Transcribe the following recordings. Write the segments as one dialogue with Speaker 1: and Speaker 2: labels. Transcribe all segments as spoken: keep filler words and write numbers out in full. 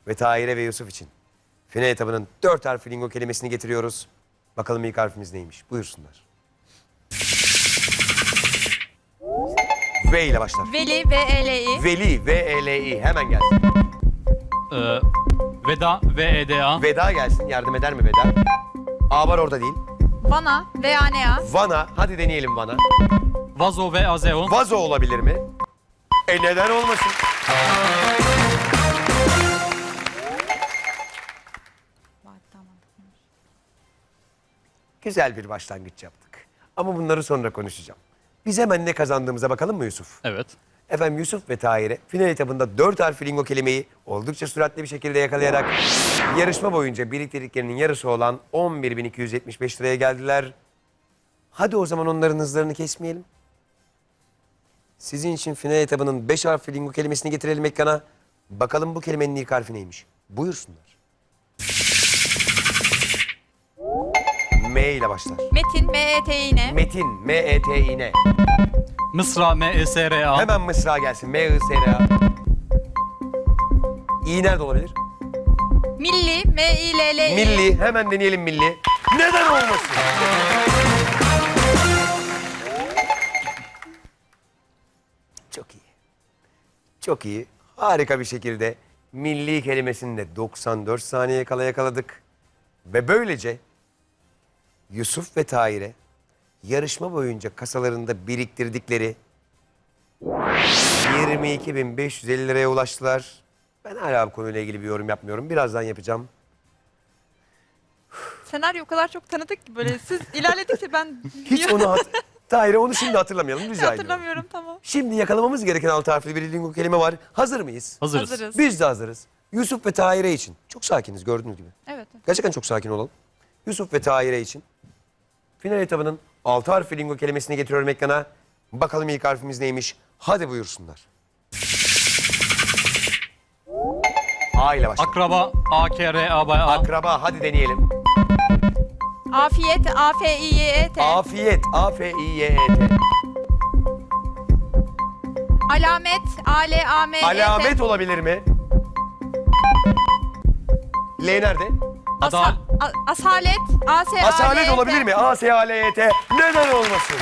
Speaker 1: ve Tahir'e ve Yusuf için final etabının dört harfli lingo kelimesini getiriyoruz. Bakalım ilk harfimiz neymiş? Buyursunlar. V ile başlar.
Speaker 2: Veli, V E L I.
Speaker 1: Veli, V E L I. Hemen gelsin.
Speaker 3: Ee, Veda, V E D A.
Speaker 1: Veda gelsin. Yardım eder mi Veda? A var orada değil.
Speaker 2: Vana, V A N A.
Speaker 1: Vana. Hadi deneyelim Vana.
Speaker 3: Vazo, V A Z O.
Speaker 1: Vazo olabilir mi? E neden olmasın? Güzel bir başlangıç yaptık. Ama bunları sonra konuşacağım. Biz hemen ne kazandığımıza bakalım mı Yusuf?
Speaker 3: Evet.
Speaker 1: Efendim Yusuf ve Tahir'e final etabında dört harfli lingo kelimeyi oldukça süratli bir şekilde yakalayarak yarışma boyunca biriktirdiklerinin yarısı olan on bir bin iki yüz yetmiş beş liraya geldiler. Hadi o zaman onların hızlarını kesmeyelim. Sizin için final etabının beş harfli lingo kelimesini getirelim ekrana. Bakalım bu kelimenin ilk harfi neymiş? Buyursunlar. M ile başlar.
Speaker 2: Metin, M E T I N.
Speaker 1: Metin, M E T İ N.
Speaker 3: Mısra, M E S R A.
Speaker 1: Hemen mısra gelsin. M I S R A. İ nerede olabilir?
Speaker 2: Milli, M İ L L I.
Speaker 1: Milli. Hemen deneyelim milli. Neden olmasın? Çok iyi. Çok iyi. Harika bir şekilde milli kelimesini de doksan dört saniye kala yakaladık. Ve böylece Yusuf ve Tahir'e yarışma boyunca kasalarında biriktirdikleri yirmi iki bin beş yüz elli liraya ulaştılar. Ben hala bu konuyla ilgili bir yorum yapmıyorum. Birazdan yapacağım.
Speaker 2: Senaryo o kadar çok tanıdık ki böyle siz ilerledikçe ben
Speaker 1: Hiç onu hat Tahir'e onu şimdi hatırlamayalım rica ediyorum.
Speaker 2: hatırlamıyorum, tamam.
Speaker 1: Şimdi yakalamamız gereken altı harfli bir lingo kelime var. Hazır mıyız?
Speaker 3: Hazırız.
Speaker 2: Hazırız.
Speaker 1: Biz de hazırız. Yusuf ve Tahir'e için. Çok sakiniz gördüğünüz gibi.
Speaker 2: Evet.
Speaker 1: Gerçekten çok sakin olalım. Yusuf ve Tahir'e için final etabının altı harfli lingo kelimesini getiriyorum ekrana. Bakalım ilk harfimiz neymiş? Hadi buyursunlar. A ile başla.
Speaker 3: Akraba, A K R A B A.
Speaker 1: Akraba. Hadi deneyelim.
Speaker 2: Afiyet, A F İ Y E T.
Speaker 1: Afiyet. A F İ Y E T.
Speaker 2: Alamet, A L A M E T.
Speaker 1: Alamet olabilir mi? L nerede?
Speaker 2: Asa-
Speaker 3: Adal.
Speaker 2: A- asalet, A S A L E T.
Speaker 1: Asalet olabilir mi? A S A L E T. Neden olmasın?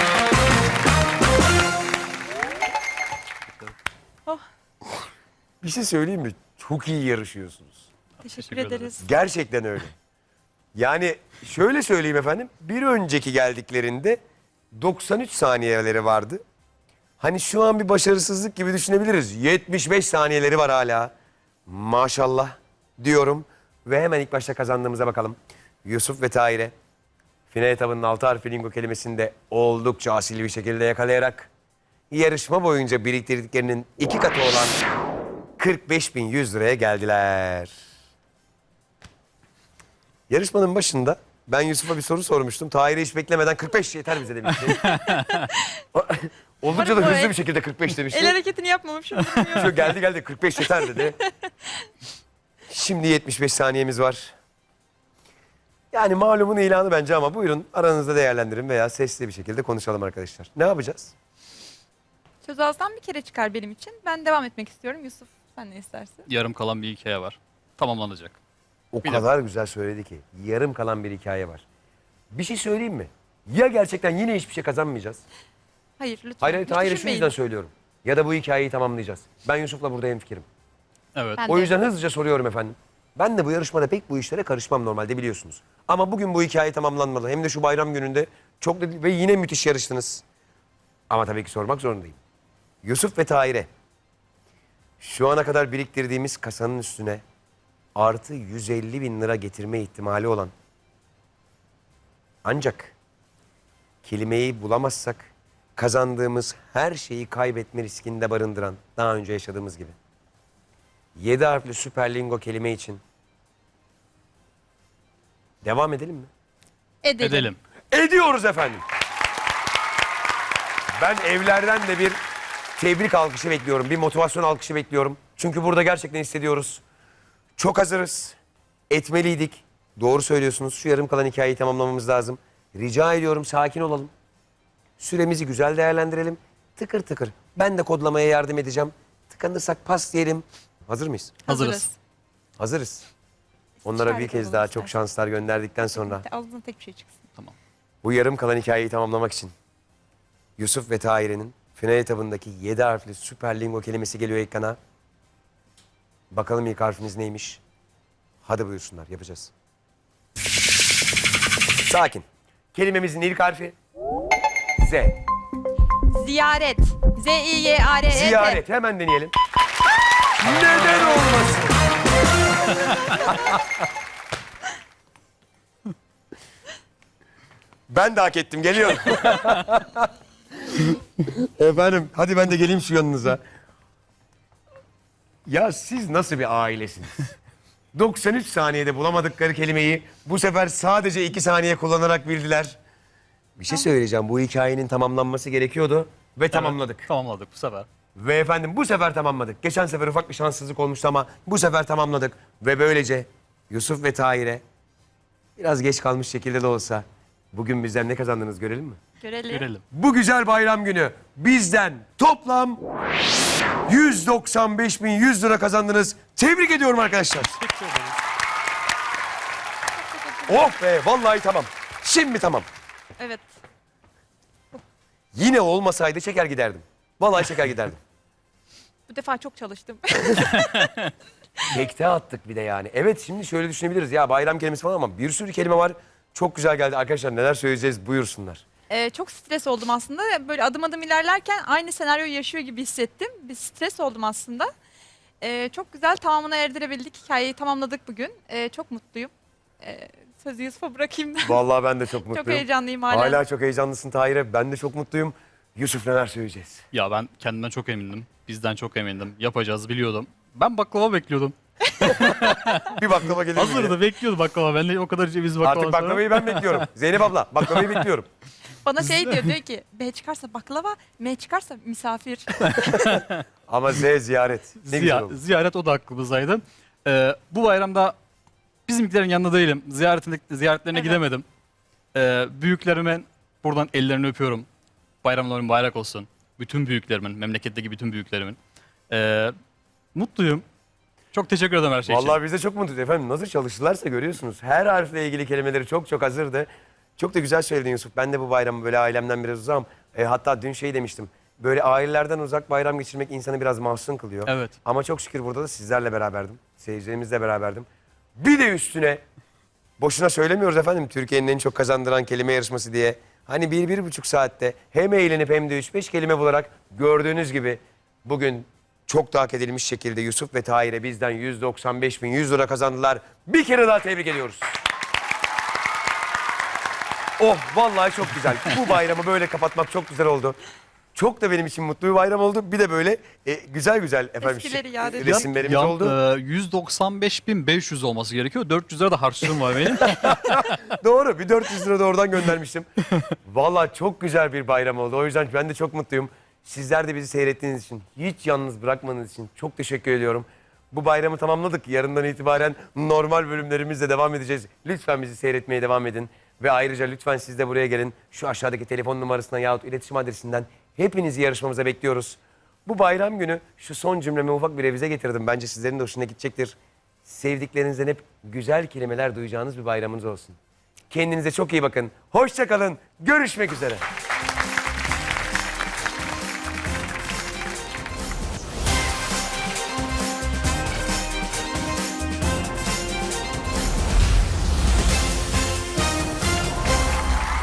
Speaker 2: Oh.
Speaker 1: Bir şey söyleyeyim mi? Çok iyi yarışıyorsunuz.
Speaker 2: Teşekkür,
Speaker 3: Teşekkür ederiz.
Speaker 2: ederiz.
Speaker 1: Gerçekten öyle. Yani şöyle söyleyeyim efendim. Bir önceki geldiklerinde doksan üç saniyeleri vardı. Hani şu an bir başarısızlık gibi düşünebiliriz. yetmiş beş saniyeleri var hala. Maşallah diyorum. Ve hemen ilk başta kazandığımıza bakalım. Yusuf ve Tahir'e final etabının altı harfli lingo kelimesini de oldukça asil bir şekilde yakalayarak yarışma boyunca biriktirdiklerinin iki katı olan kırk beş bin yüz liraya geldiler. Yarışmanın başında ben Yusuf'a bir soru sormuştum. Tahir'e hiç beklemeden kırk beş yeter bize demişti. Oldukça da
Speaker 2: Umarım bu
Speaker 1: hızlı
Speaker 2: el-
Speaker 1: bir şekilde kırk beş demişti.
Speaker 2: El hareketini yapmamışım.
Speaker 1: Şu geldi geldi kırk beş yeter dedi. Şimdi yetmiş beş saniyemiz var. Yani malumun ilanı bence ama buyurun aranızda değerlendirin veya sesli bir şekilde konuşalım arkadaşlar. Ne yapacağız?
Speaker 2: Söz ağızdan bir kere çıkar benim için. Ben devam etmek istiyorum. Yusuf, sen ne istersin?
Speaker 3: Yarım kalan bir hikaye var. Tamamlanacak.
Speaker 1: O
Speaker 3: Bir
Speaker 1: kadar güzel söyledi ki yarım kalan bir hikaye var. Bir şey söyleyeyim mi? Ya gerçekten yine hiçbir şey kazanmayacağız.
Speaker 2: Hayır, lütfen.
Speaker 1: Hayır hayır,
Speaker 2: Hiç
Speaker 1: hayır şu
Speaker 2: düşünmeyin.
Speaker 1: yüzden söylüyorum. Ya da bu hikayeyi tamamlayacağız. Ben Yusuf'la burada hemfikirim.
Speaker 3: Evet.
Speaker 2: Ben
Speaker 1: O
Speaker 2: de.
Speaker 1: yüzden hızlıca soruyorum efendim. Ben de bu yarışmada pek bu işlere karışmam normalde biliyorsunuz. Ama bugün bu hikaye tamamlanmalı. Hem de şu bayram gününde çok da ve yine müthiş yarıştınız. Ama tabii ki sormak zorundayım. Yusuf ve Tahir'e şu ana kadar biriktirdiğimiz kasanın üstüne artı yüz elli bin lira getirme ihtimali olan ancak kelimeyi bulamazsak kazandığımız her şeyi kaybetme riskinde barındıran daha önce yaşadığımız gibi yedi harfli süper lingo kelime için devam edelim mi?
Speaker 2: Edelim.
Speaker 3: Edelim.
Speaker 1: Ediyoruz efendim. Ben evlerden de bir tebrik alkışı bekliyorum. Bir motivasyon alkışı bekliyorum. Çünkü burada gerçekten hissediyoruz. Çok hazırız. Etmeliydik. Doğru söylüyorsunuz. Şu yarım kalan hikayeyi tamamlamamız lazım. Rica ediyorum sakin olalım. Süremizi güzel değerlendirelim. Tıkır tıkır. Ben de kodlamaya yardım edeceğim. Tıkanırsak pas diyelim. Hazır mıyız?
Speaker 3: Hazırız.
Speaker 2: Hazırız.
Speaker 1: Hazırız. Onlara bir
Speaker 2: İstişare
Speaker 1: kez
Speaker 2: olalım
Speaker 1: daha
Speaker 2: istersen.
Speaker 1: çok şanslar gönderdikten sonra
Speaker 2: Ağzından tek bir şey çıksın.
Speaker 1: bu yarım kalan hikayeyi tamamlamak için Yusuf ve Tahire'nin final etabındaki yedi harfli süper lingo kelimesi geliyor ekrana. Bakalım ilk harfiniz neymiş? Hadi buyursunlar, yapacağız. Sakin. Kelimemizin ilk harfi Z.
Speaker 2: Ziyaret. Z I Y A R E T.
Speaker 1: Ziyaret. Hemen deneyelim. Neden olmasın? Ben de hak ettim. Geliyorum. Efendim, hadi ben de geleyim şu yanınıza. Ya siz nasıl bir ailesiniz? doksan üç saniyede bulamadıkları kelimeyi bu sefer sadece iki saniye kullanarak bildiler. Bir şey söyleyeceğim. Bu hikayenin tamamlanması gerekiyordu ve tamamladık.
Speaker 3: Tamamladık bu sefer.
Speaker 1: Ve efendim bu sefer tamamladık. Geçen sefer ufak bir şanssızlık olmuştu ama bu sefer tamamladık. Ve böylece Yusuf ve Tahir'e biraz geç kalmış şekilde de olsa bugün bizden ne kazandınız görelim mi?
Speaker 2: Görelim.
Speaker 3: Görelim.
Speaker 1: Bu güzel bayram günü bizden toplam yüz doksan beş bin yüz lira kazandınız. Tebrik ediyorum arkadaşlar. Oh be, vallahi tamam. Şimdi tamam.
Speaker 2: Evet.
Speaker 1: Yine olmasaydı çeker giderdim. Vallahi çeker giderdim.
Speaker 2: Bu defa çok çalıştım.
Speaker 1: Tekte attık bir de yani. Evet, şimdi şöyle düşünebiliriz. Ya bayram kelimesi falan ama bir sürü kelime var. Çok güzel geldi. Arkadaşlar neler söyleyeceğiz buyursunlar.
Speaker 2: Ee, çok stres oldum aslında. Böyle adım adım ilerlerken aynı senaryoyu yaşıyor gibi hissettim. Bir stres oldum aslında. Ee, çok güzel tamamına erdirebildik. Hikayeyi tamamladık bugün. Ee, çok mutluyum. Ee, sözü Yusuf'a bırakayım da.
Speaker 1: Vallahi ben de çok mutluyum.
Speaker 2: Çok heyecanlıyım hala.
Speaker 1: Hala çok heyecanlısın Tahir'e. Ben de çok mutluyum. Yusuf neler söyleyeceğiz?
Speaker 3: Ya ben kendimden çok emindim. Bizden çok emindim. Yapacağız biliyordum. Ben baklava bekliyordum.
Speaker 1: Bir baklava gelir mi diye.
Speaker 3: Hazırdı bekliyordu baklava. Ben de o kadar ceviz baklava.
Speaker 1: Artık baklavayı ben bekliyorum. Zeynep abla, baklavayı bekliyorum.
Speaker 2: Bana şey diyor, diyor ki B çıkarsa baklava, M çıkarsa misafir.
Speaker 1: Ama Z ziyaret. Ne güzel
Speaker 3: Ziya-
Speaker 1: oldu.
Speaker 3: ziyaret o da aklımızdaydı. Ee, bu bayramda bizimkilerin yanında değilim. Ziyaretine, ziyaretlerine
Speaker 2: Evet.
Speaker 3: gidemedim. Ee, büyüklerimin buradan ellerini öpüyorum. Bayramların bayrak olsun. Bütün büyüklerimin, memleketteki bütün büyüklerimin. Ee, mutluyum. Çok teşekkür ederim her şey için.
Speaker 1: Vallahi biz de çok mutluyuz efendim. Nasıl çalıştılarsa görüyorsunuz. Her harfle ilgili kelimeleri çok çok hazırdı. Çok da güzel söyledin Yusuf. Ben de bu bayramı böyle ailemden biraz uzağım. E, hatta dün şey demiştim. Böyle ailelerden uzak bayram geçirmek insanı biraz mahzun kılıyor.
Speaker 3: Evet.
Speaker 1: Ama çok şükür burada da sizlerle beraberdim. Seyircilerimizle beraberdim. Bir de üstüne boşuna söylemiyoruz efendim Türkiye'nin en çok kazandıran kelime yarışması diye. Hani bir, bir buçuk saatte hem eğlenip hem de üç beş kelime bularak gördüğünüz gibi bugün çok da hak edilmiş şekilde Yusuf ve Tahir'e bizden yüz doksan beş bin yüz lira kazandılar. Bir kere daha tebrik ediyoruz. Oh vallahi çok güzel. Bu bayramı böyle kapatmak çok güzel oldu. Çok da benim için mutlu bir bayram oldu. Bir de böyle e, güzel güzel efendim
Speaker 2: Eskileri
Speaker 1: şık
Speaker 2: yad ediyor.
Speaker 1: resimlerimiz
Speaker 3: Yan-
Speaker 1: oldu.
Speaker 3: e, yüz doksan beş bin beş yüz olması gerekiyor. dört yüz lira da harçlığım var benim.
Speaker 1: Doğru, bir dört yüz lira da oradan göndermiştim. Vallahi çok güzel bir bayram oldu. O yüzden ben de çok mutluyum. Sizler de bizi seyrettiğiniz için, hiç yalnız bırakmanız için çok teşekkür ediyorum. Bu bayramı tamamladık. Yarından itibaren normal bölümlerimizle devam edeceğiz. Lütfen bizi seyretmeye devam edin. Ve ayrıca lütfen siz de buraya gelin. Şu aşağıdaki telefon numarasından yahut iletişim adresinden hepinizi yarışmamıza bekliyoruz. Bu bayram günü şu son cümleme ufak bir revize getirdim. Bence sizlerin de hoşuna gidecektir. Sevdiklerinizden hep güzel kelimeler duyacağınız bir bayramınız olsun. Kendinize çok iyi bakın. Hoşça kalın. Görüşmek üzere.